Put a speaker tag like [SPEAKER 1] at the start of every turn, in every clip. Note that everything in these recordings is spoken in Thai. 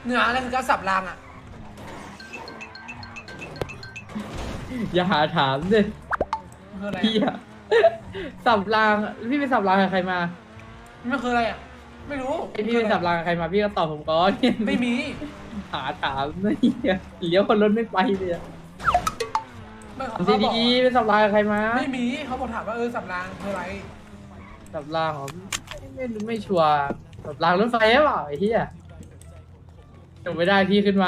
[SPEAKER 1] เนื้ออะไรคือการสับรางอ่ะ
[SPEAKER 2] อย่าหาถามดิ
[SPEAKER 1] มันคืออะไร
[SPEAKER 2] พี่อะสับรางพี่ไปสับรางกับใครมา
[SPEAKER 1] มันคืออะไรอ่ะไม่รู้
[SPEAKER 2] ไอพี่ไปสับรางกับใครมาพี่ก็ตอบผมก่อน
[SPEAKER 1] ไม่มี
[SPEAKER 2] หาถามนะเหี้ยเลี้ยวคนรถไม่ไปเลยอะ
[SPEAKER 1] ไม่เขา
[SPEAKER 2] ดี
[SPEAKER 1] บอก
[SPEAKER 2] ดีๆไปสับรางกับใครมา
[SPEAKER 1] ไม่มีเขาบอกถามว่าสับรางคืออะไร
[SPEAKER 2] สับรางเหรอไม่รู้ไม่ชัวร์สับรางรถไฟหรือเปล่าไอ้เหี้ยจบไม่ได้พี่ขึ้นมา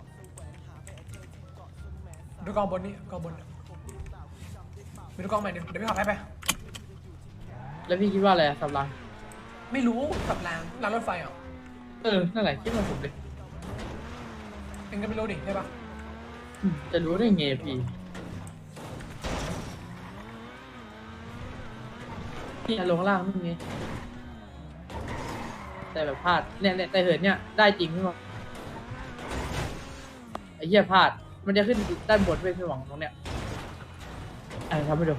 [SPEAKER 1] ดูกองบนนี่กองบนไปดูกองใหม่เดี๋ยวพี่ขอไป
[SPEAKER 2] แล้วพี่คิดว่าอะไรอะสับราง
[SPEAKER 1] ไม่รู้สับรางรางรถไฟเหรอ
[SPEAKER 2] นั่นแหละคิดว่าผมเลย
[SPEAKER 1] เองก็ไม่รู้ดิใช่ปะ
[SPEAKER 2] จะรู้ได้ไงพี่พี่ลงล่างนี่ไงแต่แบบพลาดเนี่ยแต่เหินเนี่ยได้จริงพี่หวังไอ้เหี้ยพลาดมันจะขึ้นด้านบนไปพี่หวังตรงเนี้ยทำให้ดู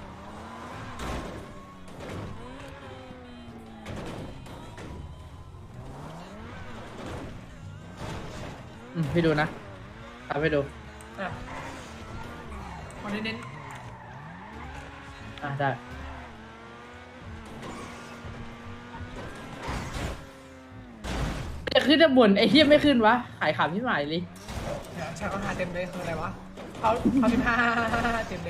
[SPEAKER 2] พี่ดูนะทำให้ดู
[SPEAKER 1] อ่ะคนเน้น
[SPEAKER 2] ได้จะขึ้นด้านบนไอ้เหี้ยไม่ขึ้นวะขายขำพี่หมายเลย
[SPEAKER 1] ๆเดี๋ยวชาเขาหาเต็มเลยคืออะไรวะเขา15เต็มเลย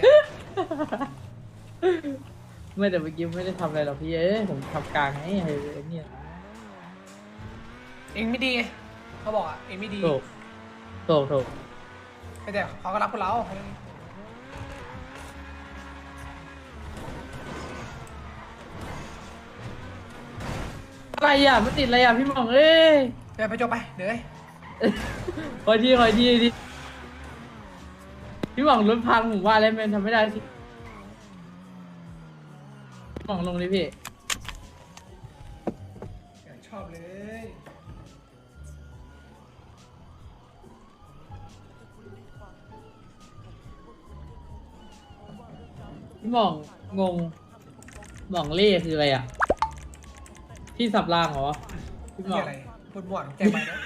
[SPEAKER 2] ไม่แต่เมื่อกี้ไม่ได้ทำอะไรหรอกพี่ผมทำกลางให้ไอ้เนี่ย
[SPEAKER 1] เองไม่ดีไงเขาบอกอ่ะเองไม่ดี
[SPEAKER 2] ถูก
[SPEAKER 1] แต่เขาก็รักพวกเรา
[SPEAKER 2] อะไรอ่ะมันติดอะไรอ่ะพี่หมองเอ้ย
[SPEAKER 1] เดี๋ยวไปจบไปเดี๋ยว
[SPEAKER 2] คอยทีดิพี่หมองรถพังผมว่าแล้วมันทำไม่ได้สิพี่หมองลงเลยพี่
[SPEAKER 1] ชอบเลย
[SPEAKER 2] พี่หมองงงหมองเล่คืออะไรอ่ะพี่สับรางเหรอพี่หม
[SPEAKER 1] นี่
[SPEAKER 2] อง
[SPEAKER 1] อะไรพูดมั่วแจ้งไปนะ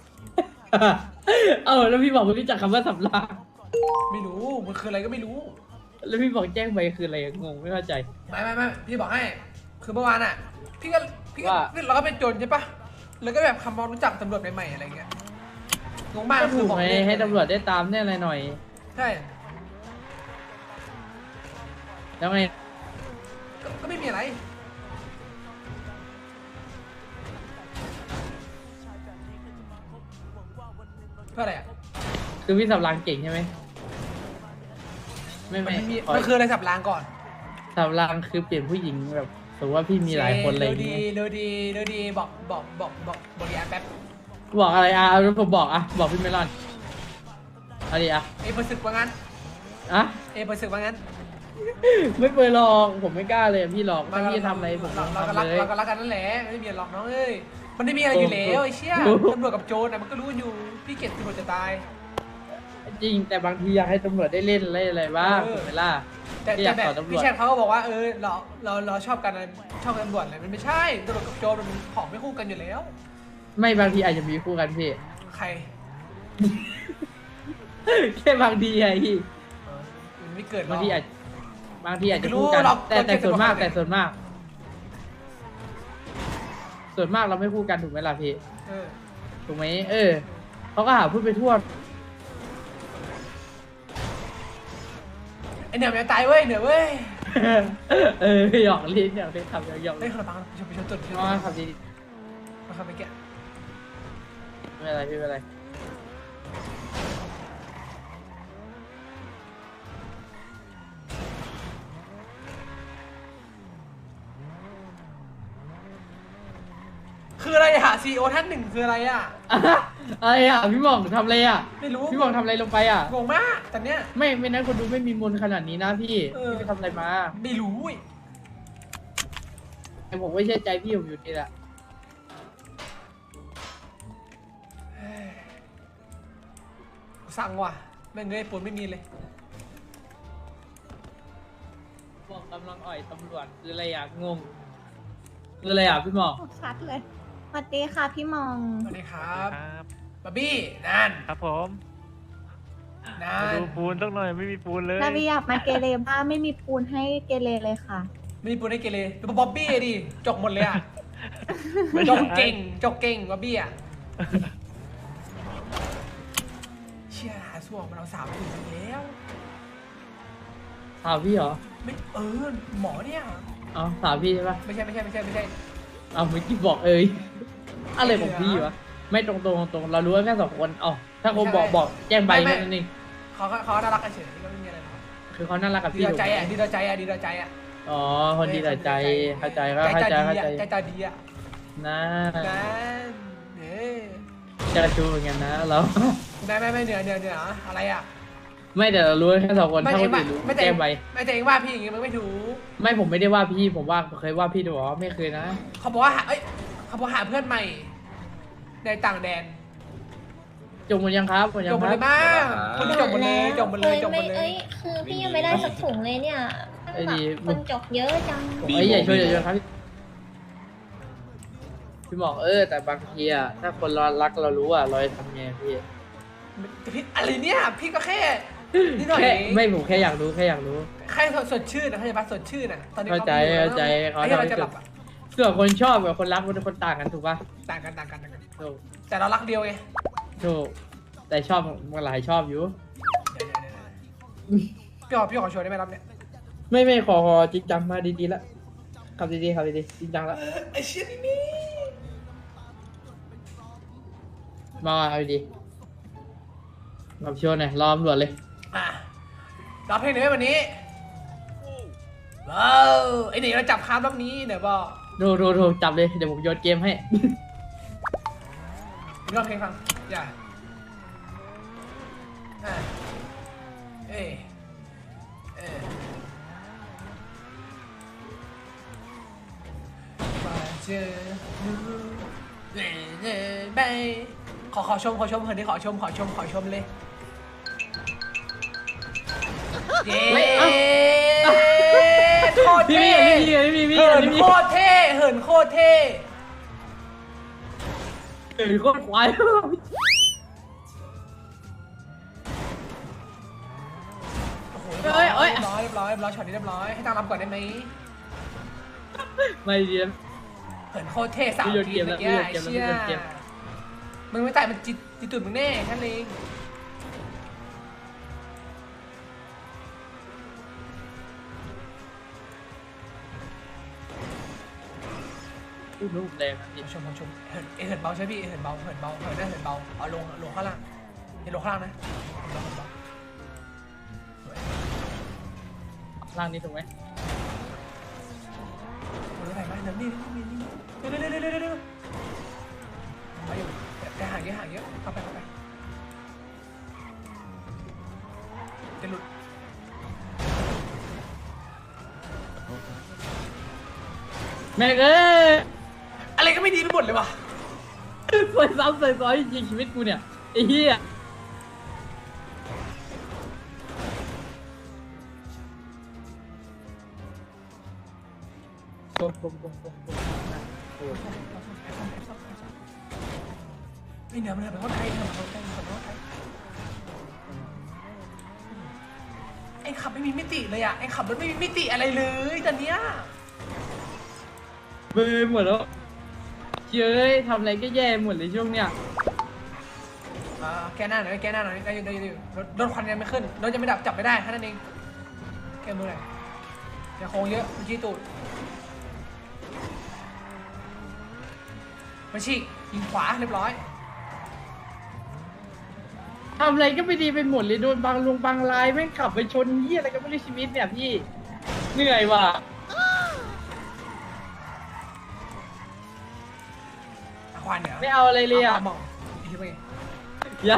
[SPEAKER 2] แล้วพี่บอกไม่รู้จักคำว่าสับราง
[SPEAKER 1] ไม่รู้มันคืออะไรก็ไม่รู้
[SPEAKER 2] แล้วพี่บอกแจ้งไปคืออะไรงงไม่เข้าใจ
[SPEAKER 1] ไม่พี่บอกให้คือเมื่อวานอ่ะพี่ก็
[SPEAKER 2] ว่า
[SPEAKER 1] เราก็เป็นโจรใช่ปะแล้วก็แบบคำความรู้จักตำรวจใหม่ๆอะไรเงี้ยงงมาก
[SPEAKER 2] ก็
[SPEAKER 1] คื
[SPEAKER 2] ถู
[SPEAKER 1] อก บอก
[SPEAKER 2] ไหม
[SPEAKER 1] เล่น
[SPEAKER 2] ให้ตำรวจได้ตามเนี่ยอะไรหน่อย
[SPEAKER 1] ใช่
[SPEAKER 2] แล้วไง
[SPEAKER 1] ก็ไม่มีอะไรเพื่ออะไรอ่ะ
[SPEAKER 2] คือพี่สับรางเก่งใช่ไหม
[SPEAKER 1] มันไม่มี
[SPEAKER 2] ขอ
[SPEAKER 1] มันคืออะไรสับรางก่อน
[SPEAKER 2] สับรางคือเปลี่ยนผู้หญิงแบบสมมติว่าพี่มีหลายคนอะไรอย่าง
[SPEAKER 1] ดี
[SPEAKER 2] เงี้ย
[SPEAKER 1] เร็วดีบอกดีแป๊บ
[SPEAKER 2] บอกอะไรแล้วผมบอกบอกพี่เมลอนเอาดิ
[SPEAKER 1] เอเปิดศึกว่างั้น
[SPEAKER 2] อะ
[SPEAKER 1] เอเปิดศึกว่างั้น
[SPEAKER 2] ไม่เคยลองผมไม่กล้าเลยพี่หลอกถ้าพี่จะทำอะไรผม
[SPEAKER 1] เรา
[SPEAKER 2] ทำ
[SPEAKER 1] ก็รัก
[SPEAKER 2] เลย
[SPEAKER 1] เราก็รักกันนั่นแหละไม่มีหรอกน้องเอ้ยมันไม่มีอะไรอยู่แล้วไอ้เชี่ยตำรวจกับโจรนะมันก็รู้อยู่พี่เกลียดตำรวจจะตาย
[SPEAKER 2] จริงแต่บางทีอยากให้ตำรวจได้เล่นอะไรบ้างถูกไหมล่ะ
[SPEAKER 1] แต่
[SPEAKER 2] ไม่อยาก
[SPEAKER 1] แบบ
[SPEAKER 2] สอนตำร
[SPEAKER 1] พี่
[SPEAKER 2] วจ
[SPEAKER 1] แชทเขาก็บอกว่าเราชอบกันชอบกันตำรวจอะไรมันไม่ใช่ตำรวจกับโจรมันของไม่คู่กันอยู่แล้ว
[SPEAKER 2] ไม่บางทีอาจจะมีคู่กันพี่
[SPEAKER 1] ใคร
[SPEAKER 2] แค่บางทีไงพี่
[SPEAKER 1] มันไม่เกิดหรอก
[SPEAKER 2] บางทีอาจจะ
[SPEAKER 1] ไม่รู้
[SPEAKER 2] คู่กัน
[SPEAKER 1] หรอก
[SPEAKER 2] แต่
[SPEAKER 1] คนเก่ง
[SPEAKER 2] ส่วนมาก
[SPEAKER 1] กว่าคนอื่น
[SPEAKER 2] ส่วนมากเราไม่คู่กันถูกไหมล่ะพี่
[SPEAKER 1] เออ
[SPEAKER 2] ถูกไหมเขาก็หาพูดไปทั่ว
[SPEAKER 1] ไอเหนือมันจะตายเว้ยเหนือเว้ย
[SPEAKER 2] หยอกเล่นทำหยอก
[SPEAKER 1] เฮ้ยคนละปังไปชนจุด
[SPEAKER 2] อ๋อทำดี
[SPEAKER 1] มาครับไปแกะ
[SPEAKER 2] ๆไม่เป็นไรพี่ไม่เป็นไร
[SPEAKER 1] คืออะไรอะซีโอท่านหนึ่งคืออะไรอะ
[SPEAKER 2] อะไรพี่หม่องทำอะไร
[SPEAKER 1] ไม่รู้
[SPEAKER 2] พี่หม่องทำอะไรลงไป
[SPEAKER 1] งงมากตอนเนี้ย
[SPEAKER 2] ไม่นั้นคนดูไม่มีมนขนาดนี้นะพี่พี่ไปทำอะไรมา
[SPEAKER 1] ไม่รู้เว้ย
[SPEAKER 2] แต่ผมไม่เชื่อใจพี่ผมอยู่นี่แหละ
[SPEAKER 1] สั่งว่ะแม่งเงยปูนไม่มีเลย
[SPEAKER 2] บอกกำลังอ่อยตำรวจคืออะไรงงคืออะไรพี่หม่อง
[SPEAKER 3] ชัดเลยสวัสดีค่ะพี่มอง
[SPEAKER 1] สวัสดีครับ
[SPEAKER 4] ครับ
[SPEAKER 1] บาร์บี้นั่น
[SPEAKER 3] ครับผม
[SPEAKER 1] นั่
[SPEAKER 3] มาน ดูปูนสักหน่อยไม่มีปูนเลย
[SPEAKER 4] นาบีอยากมาเกเรบ้างไม่มีปูนให้เกเรเลยค่ะ
[SPEAKER 1] ไม่มีปูนให้เกเรดูบ๊อบบี้ดิจกหมดเลยอ่ะ
[SPEAKER 3] ไม่
[SPEAKER 1] จ
[SPEAKER 3] ใช่
[SPEAKER 1] กเก่งจกเก่งบ๊อบบี้อ่ะเชี่ยหาส่วงมันเอา3 ถึงแล้ว
[SPEAKER 2] ถามพี่เหรอ
[SPEAKER 1] ไม่หมอเนี่ย
[SPEAKER 2] อ๋อถามพี่ใช่ปะ
[SPEAKER 1] ไม่ใช่
[SPEAKER 2] เอาเมื่อกี้บอกอะไรของพี่วะไม่ตรงเรารู้กันแค่2 คนอ๋อถ้าคนบอกแจ้งใบแค่นั้นเอง
[SPEAKER 1] เขาน่ารักกันเฉยก็ไม่มีอะไรหรอก
[SPEAKER 2] คือเขาน่ารักกับ
[SPEAKER 1] ดี
[SPEAKER 2] พี่
[SPEAKER 1] ต่อใจอ่ะ
[SPEAKER 2] ถูกไหม
[SPEAKER 1] ดีต่อใจอ่ะดีต่อใจอ่ะ
[SPEAKER 2] อ๋อคนดีแต่ใจเข้าใจก็เข้าใจ
[SPEAKER 1] ใจตาดีอ่ะ
[SPEAKER 2] นะ
[SPEAKER 1] นั่นเนี่ย
[SPEAKER 2] จะชูเหมือนกันนะเรา
[SPEAKER 1] ไม่เหนืออะไรอ่ะ
[SPEAKER 2] ไม่แต่เรารู้แค่2 คนถ้าคนอื่นรู้
[SPEAKER 1] ไม่
[SPEAKER 2] แจ้งใบ
[SPEAKER 1] แต่เองว่าพี่อย่างงี้มันไม่ถูก
[SPEAKER 2] ไม่ผมไม่ได้ว่าพี่ผมว่าเคยว่าพี่ดูหรอไม่เคยนะ
[SPEAKER 1] เขาบอกว่าเขาบอกหาเพื่อนใหม่ในต่างแดน
[SPEAKER 2] จงหมดยังครับหมดยั
[SPEAKER 1] จ
[SPEAKER 2] ง
[SPEAKER 1] บหม
[SPEAKER 2] ค
[SPEAKER 1] ด
[SPEAKER 2] รั
[SPEAKER 1] เล
[SPEAKER 2] บ
[SPEAKER 1] ยมั้งคนที่จบหมดเลยจบหมดเลย
[SPEAKER 5] เอ้ยคือพี่ยังไม่ได้สักถุงเลยเนี่ย
[SPEAKER 2] ไอ้ดี
[SPEAKER 5] คนจกเยอะจัง
[SPEAKER 2] อย่าช่วยครับพี่บอกแต่บางทีอะถ้าคนเรารักเรารู้อะเราจะทำไงพี่
[SPEAKER 1] แต่พี่อะไรเนี่ยพี่ก็แค่นิดหน่อย
[SPEAKER 2] แค่ไม่ผมแค่อยากรู้แค่
[SPEAKER 1] สดชื่นนะเข้าใจปะสดชื่นอ่ะตอนนี้
[SPEAKER 2] เข้าใจเขา
[SPEAKER 1] ไอ้เราจะหลับอ่ะ
[SPEAKER 2] ส่วนคนชอบกับคนรักมันคนต่างกันถูกปะ
[SPEAKER 1] ต่างกัน
[SPEAKER 2] ถูก
[SPEAKER 1] แต่เรารักเดียวไง
[SPEAKER 2] ถูกแต่ชอบมันหลายชอบอยู่
[SPEAKER 1] พี่ขอชวนได้ไหมรับเนี่ย
[SPEAKER 2] ไม่ขอจริงจังมาดีๆละขับดีจริงจังละ
[SPEAKER 1] ไอ้เชี่ยนี่
[SPEAKER 2] มาเอาดีกับชวนหน่อยรอตำรวจเลย
[SPEAKER 1] อ่ะรับเพลงหน่อยไหมวันนี้ว้าวไอ้หนี่เราจับคาร์บรอบนี้เดี๋ยวบอก
[SPEAKER 2] โทรจับเลยเดี๋ยวผมโยนเกมให้
[SPEAKER 1] ร้องเพลงฟังอย่ามาเจอไปขอชมเพื่อนที่ขอชมเลยเย้โคตร
[SPEAKER 2] พี่
[SPEAKER 1] เท่
[SPEAKER 2] พี่
[SPEAKER 1] เหินโคตรเท่
[SPEAKER 2] เหินโคตรควาย
[SPEAKER 1] โอ้โหเรียบร้อยช็อตนี้เรียบร้อยให้ตั้งรับก่อนได้ไหม
[SPEAKER 2] ไม่ดี
[SPEAKER 1] เหินโคตรเท่3 ทีเมื่อกี้ไอ้เชี่ยมึงไม่ตายมันจิตตุ่นมึงแน่แค่นั้นเอง
[SPEAKER 2] รูปแรงนะ
[SPEAKER 1] ชมเหินเบาใช่พี่เหินเบาเอาลงข้างล่างลงข้างล่างนะ
[SPEAKER 2] ร่างนี้ถูกไหม
[SPEAKER 1] ไหนมาเดี๋ยวนี่เร็วมาอยู่แต่ห่างเยอะเข้าไปจะหลุด
[SPEAKER 2] แม่เอ้ย
[SPEAKER 1] อะไรก็ไม่ดีไปหมดเลยว่ะ
[SPEAKER 2] สวยซ้ำสวยซ้อยจริงชีวิตกูเนี่ยไอ้เหี้ยกลม
[SPEAKER 1] ไม่เหนือมันเป็นคนไทยไอ้ขับไม่มีมิติเลยอ่ะไอ้ขับรถไม่มีมิติอะไรเลยตอนเนี้ย
[SPEAKER 2] เบื่อหมดแล้วเย้ยทำอะไรก็แย่หมดเลยช่วงเนี้ย
[SPEAKER 1] แกหน้าหน่อยได้อยู่รถควันยังไม่ขึ้นรถยังไม่ดับจับไม่ได้แค่นั้นเองแกมือหน่อยอย่าโค้งเยอะมันชี้ตูดมาฉีกยิงขวาเรียบร้อย
[SPEAKER 2] ทำอะไรก็ไม่ดีไปหมดเลยโดนบางลายแม่งขับไปชนเหี้ยอะไรก็ไม่รู้ชีวิตเนี่ยพี่เหนื่อยว่ะ
[SPEAKER 1] ควันเนี่ย
[SPEAKER 2] ไม่เอาอะไรเลยอ่ะ
[SPEAKER 1] มองอีกทีไป
[SPEAKER 2] ยัง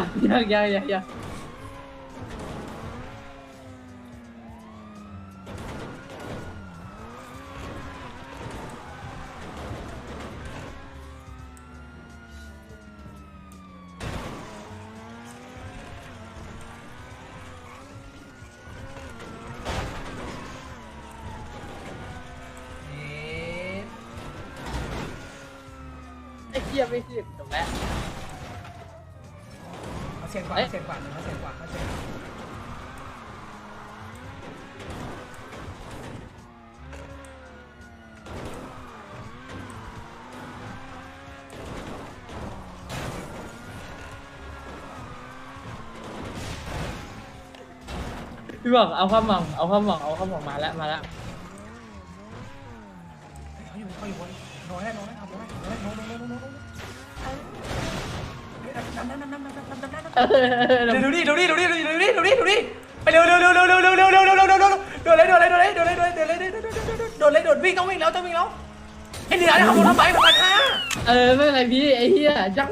[SPEAKER 2] ไอ้เหี้ยไม่ขึ้นจบแล้ว
[SPEAKER 1] สี่ยงกว่า
[SPEAKER 2] เอ๊ะ
[SPEAKER 1] เสี่ยงกว่าเขาเสี่ยงกว่าเขาเสี่ยงกว่า
[SPEAKER 2] พี่บอกเอาความหวังเอาความหวังเอาความหวังมาแล้วมาแล้ว
[SPEAKER 1] เขาอยู่บนโน้ยได้โน้ยได้ครับโน้ยได้โน้ยดูดิไปเร็วโดนเลยวิ่งต้องวิ่งแล้วไอ้เหนือเนี่ยขับรถทำไมประมาณ5
[SPEAKER 2] ไม่เป็นไรพี่ไอ้เหี้ยจัง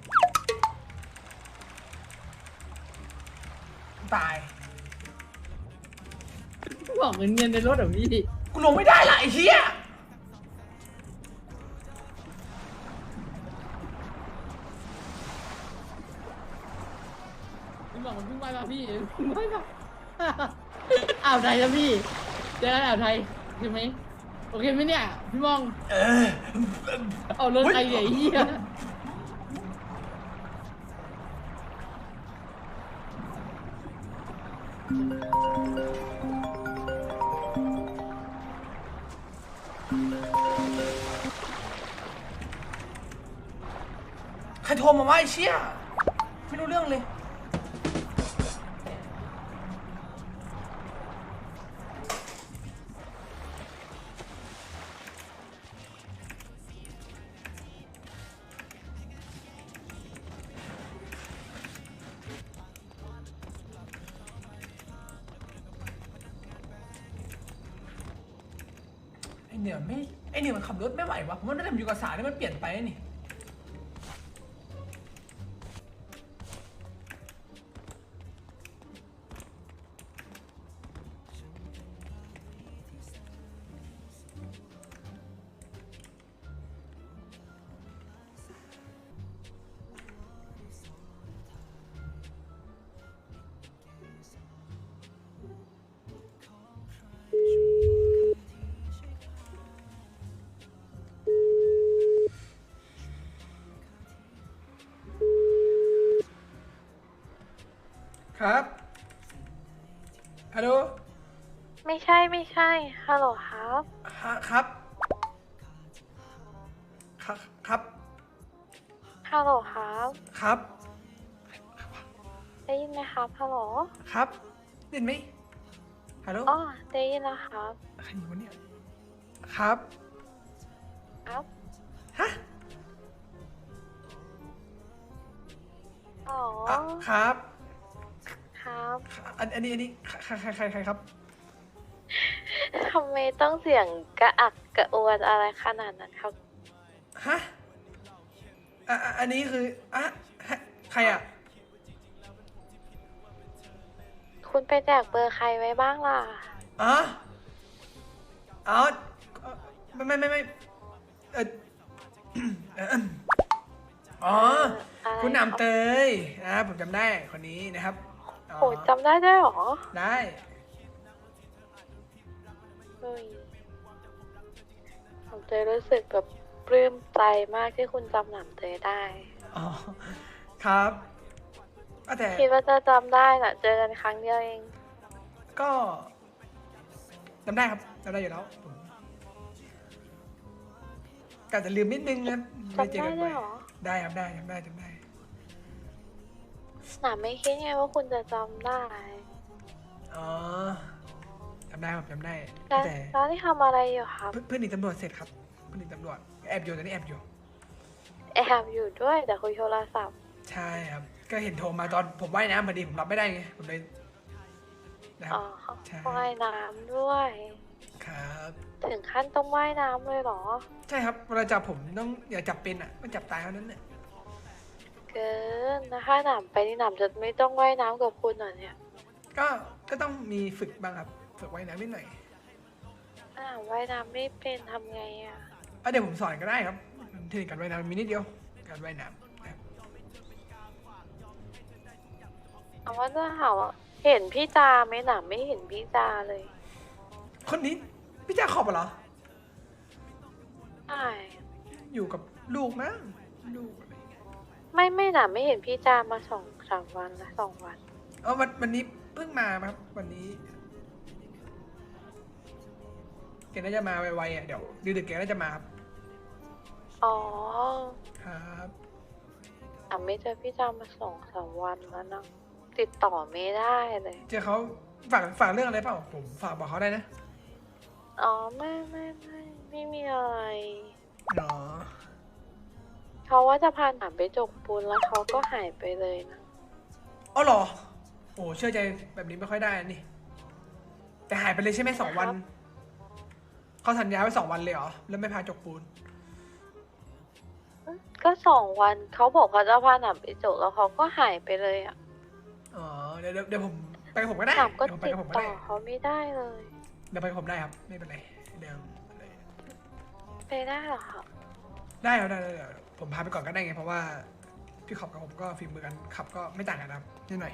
[SPEAKER 1] ตาย
[SPEAKER 2] บอกเงินในรถเหรอพี่
[SPEAKER 1] กูลงไม่ได้ละไอ้เหี้ย
[SPEAKER 2] พี่บอกมันเพิ่งไปมาพี่เพิ่งไปมาอ่าวไทยแล้วพี่เจอกันอ่าวไทยโอเคไหมโอเคไหมเนี่ยพี่มองเอารถไทยใหญ่เหี้ย
[SPEAKER 1] ใครโทรมาว่าไอ้เชี่ยไม่รู้เรื่องเลย ไอเหนือมันขับรถไม่ไหววะผมว่าน่าจะอยู่กับสายนี่มันเปลี่ยนไปนี่ครับฮัลโหล
[SPEAKER 6] ไม่ใช่ฮัลโหลครับ
[SPEAKER 1] ครับครับ
[SPEAKER 6] ฮัลโหลครับ
[SPEAKER 1] ครับ
[SPEAKER 6] ได้ยินไหมครับฮัลโหล
[SPEAKER 1] ครับได้ยินไหมฮัลโหล
[SPEAKER 6] อ๋อได้ยินแล้วครับ
[SPEAKER 1] ใครอยู่วะเนี่ยครับ
[SPEAKER 6] ครับ
[SPEAKER 1] ฮะ
[SPEAKER 6] อ๋อ
[SPEAKER 1] อ่ะครับ
[SPEAKER 6] ครับ
[SPEAKER 1] อันนี้ใครครับ
[SPEAKER 6] ทำไมต้องเสียงกระอักกระอวนอะไรขนาดนั้นครับ
[SPEAKER 1] ฮะอันนี้คือใครอ่ะ
[SPEAKER 6] คุณไปแจกเบอร์ใครไว้บ้างล่ะ
[SPEAKER 1] อ๋อไม่เอออ๋อ
[SPEAKER 6] อะไร
[SPEAKER 1] คุณห
[SPEAKER 6] ครับ
[SPEAKER 1] นำเตยผมจำได้คนนี้นะครับอ๋อ
[SPEAKER 6] โหจำได้ด้วยเหรอ
[SPEAKER 1] ได้
[SPEAKER 6] เฮ้ยผมเตยรู้สึกแบบปลื้มใจมากที่คุณจำหนำเตยได้
[SPEAKER 1] อ๋อครับแต่
[SPEAKER 6] คิดว่าจะจำได้น่ะ เจอกันครั้งเดียวเอง
[SPEAKER 1] ก็จำได้ครับจำได้อยู่แล้วผมก็อาจจะลืมนิดนึงนะไม่เจอกัน
[SPEAKER 6] จำได้ด้
[SPEAKER 1] บ่
[SPEAKER 6] ว
[SPEAKER 1] อย ย
[SPEAKER 6] เหรอ
[SPEAKER 1] ได้ครับได้จำได้
[SPEAKER 6] หนาไม่คิดไงว่าคุณจะจำได้
[SPEAKER 1] อ๋อจำได้ครับจำได้
[SPEAKER 6] แล้ว
[SPEAKER 1] แต่
[SPEAKER 6] แล้วนี่ทำอะไรอยู่ครับ
[SPEAKER 1] เพื่อนหนีตำรวจเสร็จครับเพื่อนหนีตำรวจแอบอยู่ตอนนี้แอบอยู่
[SPEAKER 6] แอบอยู่ด้วยแต่คุยโทรศัพท์
[SPEAKER 1] ใช่ครับ ก็เห็นโทรมาตอนผมว่ายน้ำพอดีผมรับไม่ได้ไงผมเลยนะครับ
[SPEAKER 6] อ๋อ
[SPEAKER 1] ใช่
[SPEAKER 6] ว่ายน้ำด้วย
[SPEAKER 1] ครับ
[SPEAKER 6] ถึงขั้นต้องว่ายน้ำเลยเหรอ
[SPEAKER 1] ใช่ครับเวลาจับผมต้องอย่าจับเป็นอ่ะมันจับตายเท่านั้นเนี่ย
[SPEAKER 6] เกินนะถ้าหนำไปนี่หนำจะไม่ต้องว่ายน้ำกับคุณเหรอเนี่ย
[SPEAKER 1] ก็ต้องมีฝึกบ้างครับฝึกว่ายน้ำนิดหน่อย
[SPEAKER 6] ว่ายน้ำไม่เป็นทำไงอ่ะ
[SPEAKER 1] เดี๋ยวผมสอนก็ได้ครับเทคนิคการว่ายน้ำมีนิดเดียวการว่ายน้ำนะครับ
[SPEAKER 6] เอาว่าจะถามว่าเห็นพี่จาไหมหนำไม่เห็นพี่จาเลย
[SPEAKER 1] คนนี้พี่จ้าขอบเหรอ
[SPEAKER 6] ใช่
[SPEAKER 1] อยู่กับลูกมั้งลูกอะไรเงี้ย
[SPEAKER 6] ไม่หนำไม่เห็นพี่จามา 2-3 วันละ2 วัน
[SPEAKER 1] วันนี้เพิ่งมาครับวันนี้แกน่าจะมาไวๆอ่ะเดี๋ยวดึกๆแกน่าจะมาครับ
[SPEAKER 6] อ๋อ
[SPEAKER 1] ครับ
[SPEAKER 6] ไม่เจอพี่จามมา2-3 วันแล้วนะติดต่อไม่ได้เลย
[SPEAKER 1] เจอเขาฝากเรื่องอะไรเปล่าผมฝากบอกเขาได้นะ
[SPEAKER 6] อ๋อไม่มีอะไร
[SPEAKER 1] อ๋อ
[SPEAKER 6] เขาว่าจะพาหนามไปจกปูนแล้วเขาก็หายไปเลยนะ
[SPEAKER 1] อ๋อเหรอโอ้เชื่อใจแบบนี้ไม่ค่อยได้นี่แต่หายไปเลยใช่ไหม2 วันเขาสัญญาไว้2 วันเลยเหรอแล้วไม่พาจกปูน
[SPEAKER 6] ก็2 วันเขาบอกเขาจะพาหนามไปจกแล้วเขาก็หายไปเลยอ่ะ
[SPEAKER 1] อ๋อเดี๋ยวผมไปกับผมก็ได้
[SPEAKER 6] หนามก็
[SPEAKER 1] เดี๋ยวผมไป
[SPEAKER 6] ติด
[SPEAKER 1] กับผมก็
[SPEAKER 6] ต่อ
[SPEAKER 1] ได้
[SPEAKER 6] เขาไม่ได้เลย
[SPEAKER 1] เดี๋ยวไปกับผมได้ครับไม่เป็นไรเดี๋ยว
[SPEAKER 6] ไปได้เหรอครับ
[SPEAKER 1] ได้ครับได้ผมพาไปก่อนก็ได้ไงเพราะว่าพี่ขับกับผมก็ฝีมือกันขับก็ไม่ต่างกันครับนิดหน่อย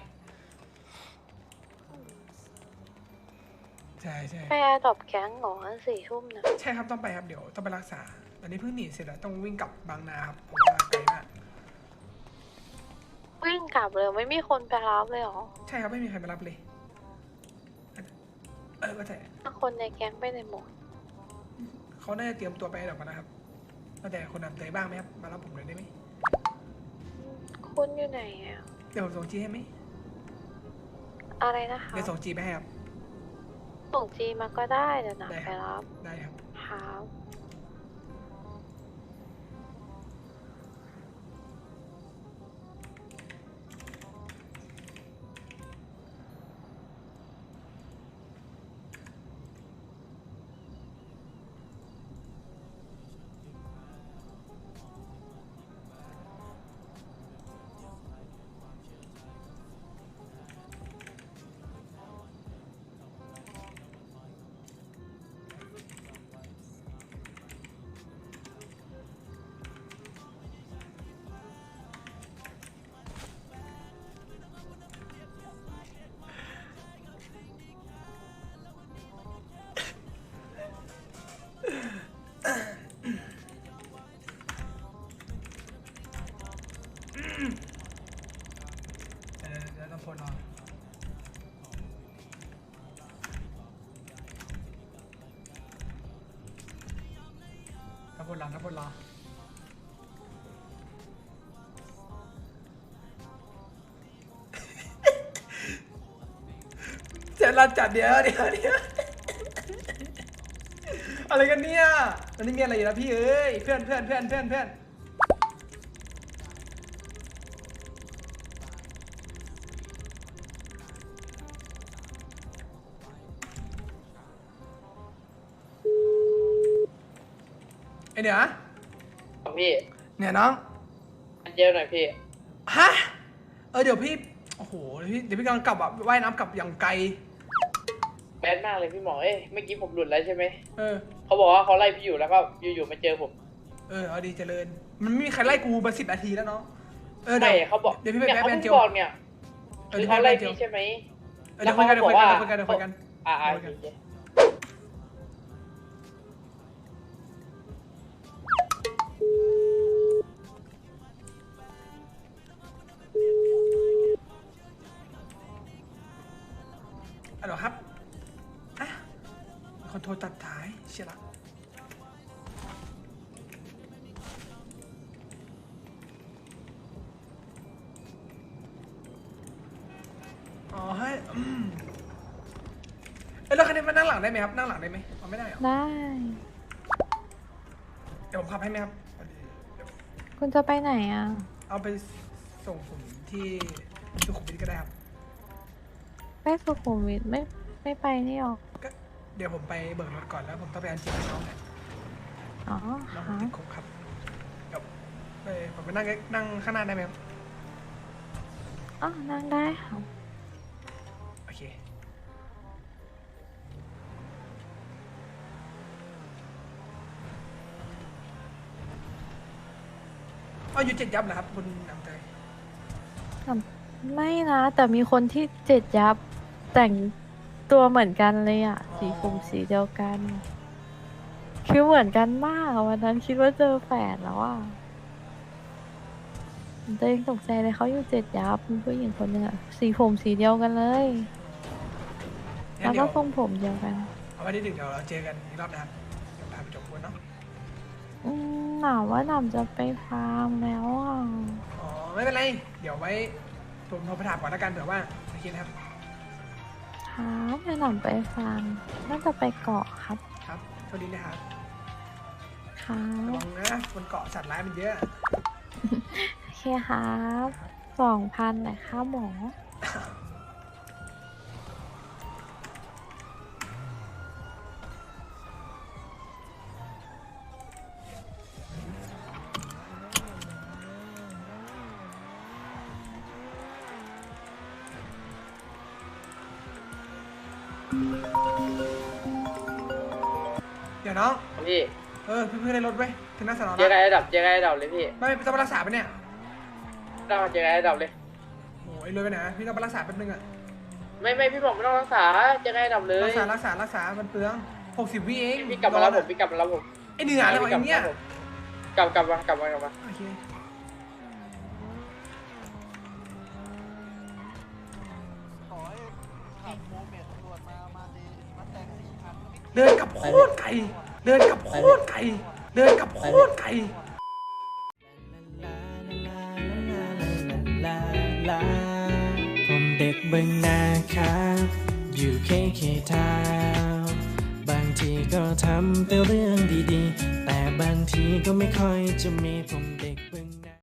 [SPEAKER 1] ใช่
[SPEAKER 6] ไปแอร์ดรอปแก๊งเหรอ4 ทุ่มนะ
[SPEAKER 1] ใช่ครับต้องไปครับเดี๋ยวต้องไปรักษาตอนนี้เพิ่งหนีเสร็จแล้วต้องวิ่งกลับบางนาครับเพราะว่าไกลมาก
[SPEAKER 6] วิ่งกลับเลยไม่มีคนไปรับเลยเหรอ
[SPEAKER 1] ใช่ครับไม่มีใครมารับเลยว่าแต่
[SPEAKER 6] คนในแก๊งไปไหนหมด
[SPEAKER 1] เขาน่าจะเตรียมตัวไปหรอกนะครับว่าแต่คนนำเตยบ้างไหมครับมารับผมเลยได้ไหม
[SPEAKER 6] คุณอยู่ไหนอ่ะ
[SPEAKER 1] เดี๋ยวผมส่งจีให้ไหม
[SPEAKER 6] อะไรนะคะ
[SPEAKER 1] เดี๋ยวส่งจีไปให้ครับ
[SPEAKER 6] ส่งจีมาก็ได้เดี๋ยวหนาม
[SPEAKER 1] ได้
[SPEAKER 6] ไป
[SPEAKER 1] ครับ
[SPEAKER 6] รับ
[SPEAKER 1] ได้ครับ
[SPEAKER 6] ครับ
[SPEAKER 1] เดี๋ยวต้องพลรอถ้าพลรอเจะรันจัดเดี๋ยวอะไรกันเนี่ยวันนี้มีอะไรอยู่แล้วพี่เอ้ยเพื่อนไอเหนือ
[SPEAKER 2] พี่
[SPEAKER 1] เนี่ยน้อง
[SPEAKER 2] เยอะหน่อยพี่
[SPEAKER 1] ฮะเดี๋ยวพี่โอ้โหเดี๋ยวพี่กำลังกลับอ่ะว่ายน้ำกลับอย่างไกล
[SPEAKER 2] แบดมากเลยพี่หมอเมื่อกี้ผมหลุดแล้วใช่ไหม
[SPEAKER 1] เออ
[SPEAKER 2] เขาบอกว่าเขาไล่พี่อยู่แล้วก็อยู่ๆมาเจอผม
[SPEAKER 1] เอาดีเจริญมันไม่มีใครไล่กูมา10 นาทีแล้วเนาะเดี๋
[SPEAKER 2] ใช่
[SPEAKER 1] ยว
[SPEAKER 2] เขาบอก
[SPEAKER 1] เดี๋ยวพี่ไป
[SPEAKER 2] เนี่ย
[SPEAKER 1] แบ
[SPEAKER 2] เขา
[SPEAKER 1] แบน
[SPEAKER 2] เพิ่ง
[SPEAKER 1] เจียว
[SPEAKER 2] บอกเนี่ยคือเขาไล่พี่ใช่ไหม
[SPEAKER 1] เดี๋ยวคุยกัน
[SPEAKER 2] แล้วเขาบอกว่า
[SPEAKER 1] เดี๋ยวคุยกัน
[SPEAKER 2] โอเค
[SPEAKER 1] เหรอครับอ่ะมีคนโทรตัดท้ายเชียละอ๋อให้แล้วคันนี้มานั่งหลังได้ไหมครับนั่งหลังได้ไหมเอาไม่ได้เหรอ
[SPEAKER 6] ได้
[SPEAKER 1] เดี๋ยวผมขับให้ไหมครับเดี๋ยว
[SPEAKER 6] คุณจะไปไหนอ่ะ
[SPEAKER 1] เอาไปส่งผมที่สุขุมวิทก็ได้ครับ
[SPEAKER 6] ไปสุขุมวิทไม่ไปนี่หรอ
[SPEAKER 1] ก็เดี๋ยวผมไปเบิกรถก่อนแล้วผมต้องไปอันจีบน้องเนี่ย
[SPEAKER 6] อ๋อ
[SPEAKER 1] น้องผ
[SPEAKER 6] ค่ะ
[SPEAKER 1] มติดคุกครับเดี๋ยวผมไปนั่งข้างหน้าได้ไหมครับ
[SPEAKER 6] อ๋อนั่งได้ค่ะ
[SPEAKER 1] โอเคอยู่7 ยับเหรอครับคุณน้ำใจ
[SPEAKER 6] ไม่นะ แต่มีคนที่7 ยับแต่งตัวเหมือนกันเลยอ่ะ สีผมสีเดียวกัน คือเหมือนกันมากอะวันนั้นคิดว่าเจอแฝดแล้วอ่ะตัวเองตกใจเลยเขาอยู่7 ยับมีผู้หญิงคนหนึ่งอะสีผมสีเดียวกันเลย
[SPEAKER 1] งั้
[SPEAKER 6] แล้
[SPEAKER 1] น
[SPEAKER 6] ว
[SPEAKER 1] เดี๋
[SPEAKER 6] ก็
[SPEAKER 1] ยว
[SPEAKER 6] ทรงผมเดียวกัน
[SPEAKER 1] เอาไว้ที่หนึ่งเดี๋ยวเราเจอกันอีกรอบนะครับเดี๋ยวพาไปจบคนเนาะ
[SPEAKER 6] หนาวว่าหนาวจะไปฟาร์มแล้วอ่ะ
[SPEAKER 1] อ๋อไม่เป็นไรเดี๋ยวไว้ผมโทรไปถามก่อนแล้วกันเผื่อว่าโอเคนะครับ
[SPEAKER 6] ครับจะหนาวไปฟาร์มน่าจะไปเกาะครับ
[SPEAKER 1] ครับสวัสดีนะครับ
[SPEAKER 6] ครั
[SPEAKER 1] ระ
[SPEAKER 6] บ
[SPEAKER 1] วังนะบนเกาะสัตว์ร้ายมันเยอะ
[SPEAKER 6] โอเคครับ2,000แต่ค่าหมอ
[SPEAKER 1] เดี๋ยวน้อง
[SPEAKER 2] พี่
[SPEAKER 1] พี่ได้รถไว้ถึงหน้าสนอ
[SPEAKER 2] เจอกัน
[SPEAKER 1] นะ
[SPEAKER 2] ระดับเจอกันระดับเลยพี่
[SPEAKER 1] ไม่ต้องไปรักษาไปะเนี่ย
[SPEAKER 2] เราเจอกันระดับเลย
[SPEAKER 1] โอ้ยเลยไปไหนพี่ต้องไปรักษาแป๊บนึงอะ
[SPEAKER 2] ไม่พี่บอกไม่ต้องรักษาเจอกันระดับเลย
[SPEAKER 1] รักษามันเปลือง60 วิเอง
[SPEAKER 2] พี่กลับมาแล้วผมพี่กลับมาแล้วผม
[SPEAKER 1] ไอเหนืออะไรวะไอเนี่ย
[SPEAKER 2] กลับมา
[SPEAKER 1] โอเคเดินกับโคตรไกลเดินกับโคตรไกลเดินกับโคตรไกล
[SPEAKER 7] ผมเด็กบึงนาครับ อยู่เคทาวน์บางทีก็ทำแต่เรื่องดีๆ แต่บางทีก็ไม่ค่อยจะมีผมเด็กบึง